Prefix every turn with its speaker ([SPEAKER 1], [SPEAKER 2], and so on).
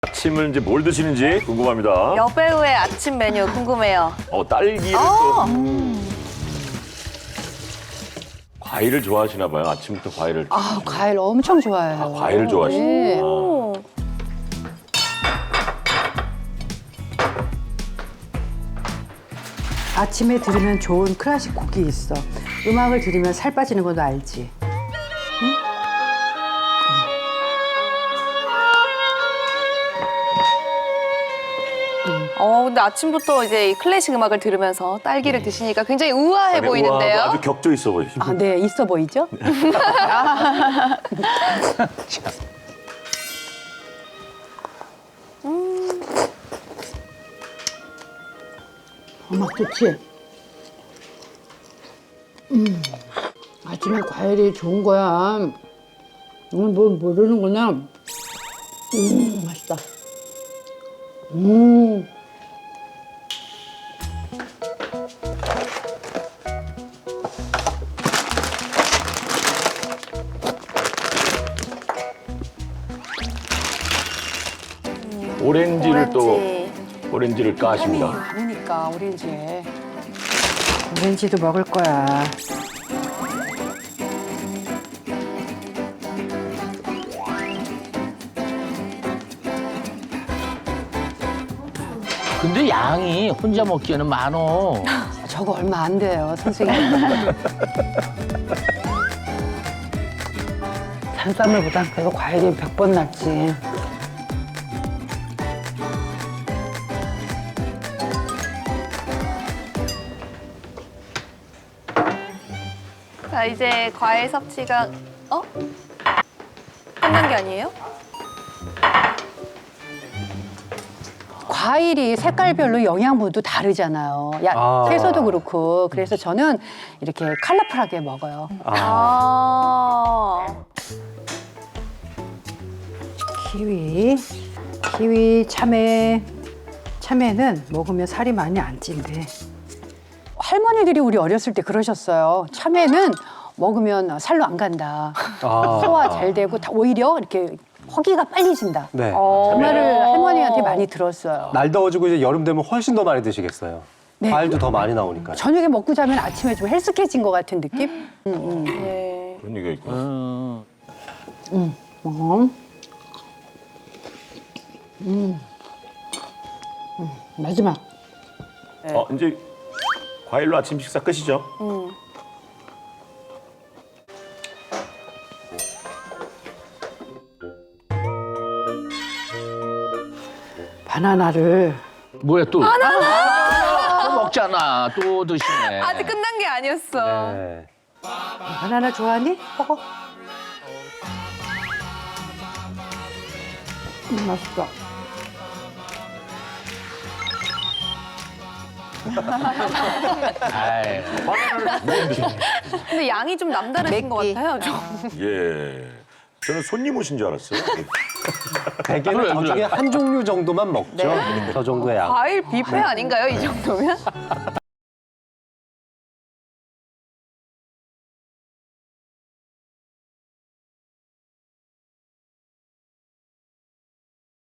[SPEAKER 1] 아침을 이제 뭘 드시는지 궁금합니다.
[SPEAKER 2] 여배우의 아침 메뉴 궁금해요.
[SPEAKER 1] 딸기를 또 과일을 좋아하시나 봐요. 아침부터 과일을.
[SPEAKER 3] 과일 엄청 좋아해요.
[SPEAKER 1] 과일을 좋아하시는.
[SPEAKER 3] 네.
[SPEAKER 2] 오.
[SPEAKER 4] 아침에 들으면 좋은 클래식 곡이 있어. 음악을 들으면 살 빠지는 건 알지?
[SPEAKER 2] 근데 아침부터 이제 이 클래식 음악을 들으면서 딸기를 드시니까 굉장히 우아해 보이는데요.
[SPEAKER 1] 우아하고 아주 격조 있어 보이시죠.
[SPEAKER 4] 아, 네, 있어 보이죠? 맛 좋지? 아침에 과일이 좋은 거야. 뭘 모르는구나. 맛있다.
[SPEAKER 1] 오렌지를 오렌지를 까십니다.
[SPEAKER 4] 많으니까 오렌지에. 오렌지도 먹을 거야.
[SPEAKER 5] 근데 양이 혼자 먹기에는 많어.
[SPEAKER 4] 저거 얼마 안 돼요, 선생님. 산삼을보다 그래도 과일이 100번 낫지.
[SPEAKER 2] 자, 이제 과일 섭취가 끝난 게 아니에요?
[SPEAKER 4] 과일이 색깔별로 영양분도 다르잖아요. 채소도 그렇고. 그래서 저는 이렇게 컬러풀하게 먹어요. 키위, 참외. 참외는 먹으면 살이 많이 안 찐대. 할머니들이 우리 어렸을 때 그러셨어요. 참외는 먹으면 살로 안 간다. 소화 잘 되고 오히려 이렇게 허기가 빨리 진다.
[SPEAKER 6] 네.
[SPEAKER 4] 그 말을 할머니한테 많이 들었어요.
[SPEAKER 6] 날 더워지고 이제 여름 되면 훨씬 더 많이 드시겠어요.
[SPEAKER 4] 네.
[SPEAKER 6] 과일도 더 많이 나오니까.
[SPEAKER 4] 저녁에 먹고 자면 아침에 좀 헬스케진 것 같은 느낌?
[SPEAKER 2] 네.
[SPEAKER 1] 그런 얘기가 있구나.
[SPEAKER 4] 마지막.
[SPEAKER 1] 이제 과일로 아침 식사 끝이죠?
[SPEAKER 4] 바나나를
[SPEAKER 5] 뭐야 또? 또 먹잖아. 또 드시네.
[SPEAKER 2] 아직 끝난 게 아니었어.
[SPEAKER 6] 네.
[SPEAKER 4] 바나나 좋아하니? 먹어. 맛있어.
[SPEAKER 5] 아이,
[SPEAKER 2] 근데 양이 좀 남다르신 것 같아요. 좀.
[SPEAKER 1] 예. 저는 손님 오신 줄 알았어요.
[SPEAKER 6] 대개는
[SPEAKER 5] 그래,
[SPEAKER 6] 저 중에
[SPEAKER 5] 그래.
[SPEAKER 6] 한 종류 정도만 먹죠. 저 정도의 양.
[SPEAKER 2] 과일 뷔페 아닌가요, 이 정도면?